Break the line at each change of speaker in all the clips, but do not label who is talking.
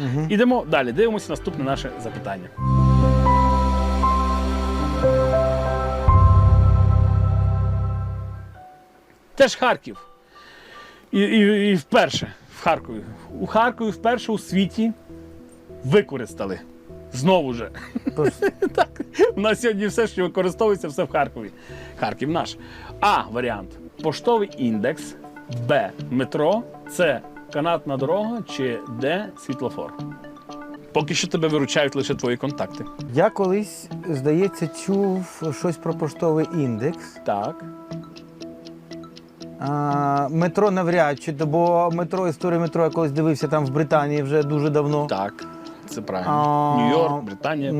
Ідемо далі, дивимося наступне наше запитання. Теж Харків. І вперше в Харкові. У Харкові вперше у світі використали. Знову же. Так, у нас сьогодні все, що використовується, все в Харкові. Харків наш. А варіант – поштовий індекс, Б – метро, С – канатна дорога чи Д – світлофор. Поки що тебе виручають лише твої контакти.
Я колись, здається, чув щось про поштовий індекс.
Так.
Метро навряд чи, бо історію метро я колись дивився там в Британії вже дуже давно.
Так, це правильно. Нью-Йорк, Британія.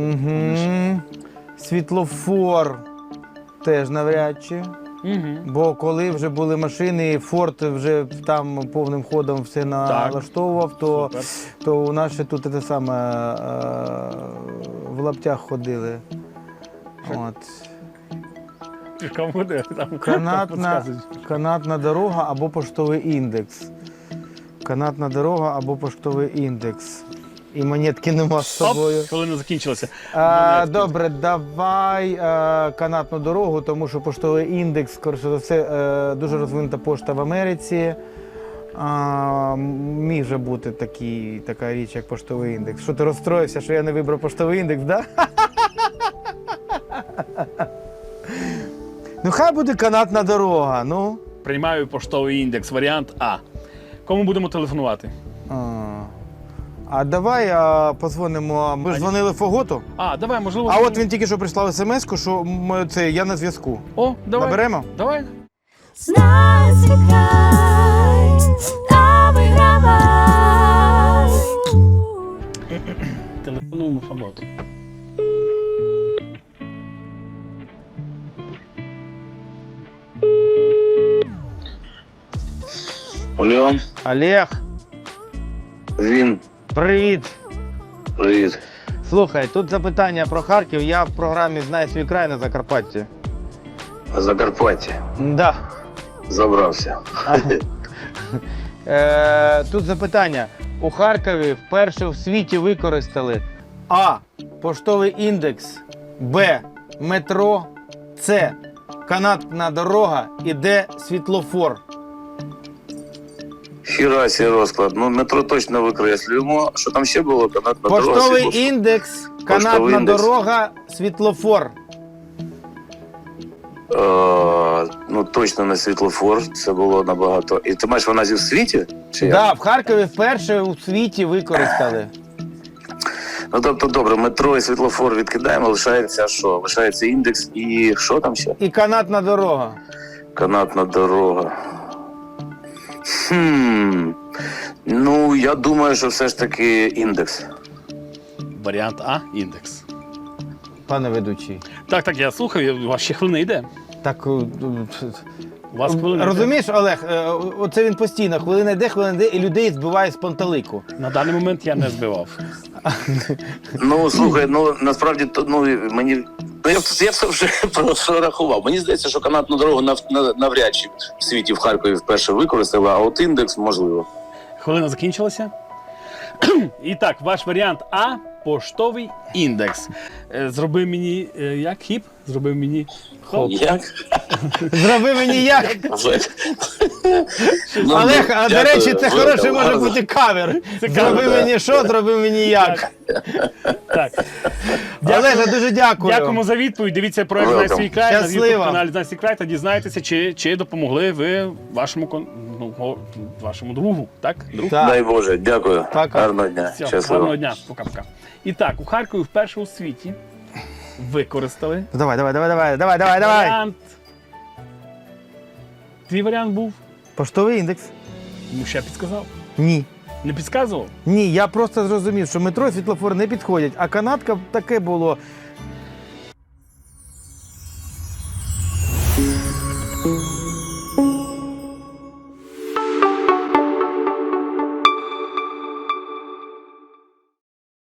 Світлофор теж навряд чи. Бо коли вже були машини, Форд вже там повним ходом все налаштовував, то у нас ще тут те саме в лаптях ходили. От. Канатна дорога або поштовий індекс. Канатна дорога або поштовий індекс. І монетки нема з собою.
Хвилина закінчилася.
Добре, давай канатну дорогу, тому що поштовий індекс, скоріше за все, дуже розвинута пошта в Америці. Міг же бути така річ, як поштовий індекс. Що ти розстроївся, що я не вибрав поштовий індекс, да? Ну, хай буде канатна дорога, ну.
Приймаю поштовий індекс, варіант А. Кому будемо телефонувати?
А давай подзвонимо. Ми ж дзвонили Фоготу.
Давай, можливо.
А от він тільки що прислав смс-ку, що я на зв'язку.
О, давай.
Наберемо?
Давай.
Знай, звикай, та вигравай.
Телефонуємо Фоготу.
Алло,
Олег,
він.
привіт.
Привіт.
Слухай, тут запитання про Харків. Я в програмі «Знай свій край» на Закарпатті.
Закарпаття.
Да.
Забрався.
Тут запитання. У Харкові вперше в світі використали А. Поштовий індекс, Б. Метро, С. Канатна дорога і Д. Світлофор.
Хірасі розклад. Ну, метро точно викреслюємо. Що там ще було? Канатна дорога,
Поштовий
світлофор.
індекс, канатна
індекс.
дорога, світлофор.
Ну, точно не світлофор. Це було набагато. І ти маєш вона зі в світі? Чи як?
Да, в Харкові вперше у світі використали.
Ну, тобто, добре, метро і світлофор відкидаємо. Лишається що? Лишається індекс і що там ще?
І канатна дорога.
Канатна дорога. Ну, я думаю, що все ж таки індекс.
Варіант А – індекс.
Пане ведучий.
Так, я слухаю, у вас ще хвилина йде.
Так,
У вас хвилина
розумієш, Олег, оце він постійно, хвилина йде, і людей збиває з пантелику.
йде. На даний момент я не збивав.
Ну, слухай, ну, насправді, мені... Ну, я все вже прорахував. Мені здається, що канатну дорогу навряд чи в світі в Харкові вперше використали, а от індекс можливо.
Хвилина закінчилася. І так, ваш варіант А – поштовий індекс. Зроби мені, як, хіп? Зроби мені хоп.
Як?
Зроби мені як?
Ну,
Олег, а до
дякую,
речі, це
велика,
хороший може
гарно.
бути кавер. Зроби
да.
мені що, зроби мені як.
Так.
Олеже, дуже дякую.
Дякуємо за відповідь. Дивіться проект «Знай свій край» на
Щасливо.
YouTube-каналі «Знай свій край» та дізнаєтеся, чи допомогли ви вашому другу, так? Друг?
Так.
Дай Боже, дякую.
Пока.
Гарного дня.
Все,
Щасливо.
гарного дня. Пока-пока. І так, у Харкові вперше у світі використали
Давай.
варіант. Твій варіант був?
Поштовий індекс?
Ну, ще підказав.
Ні.
Не підказував?
Ні, я просто зрозумів, що метро і світлофор не підходять, а канатка таке було.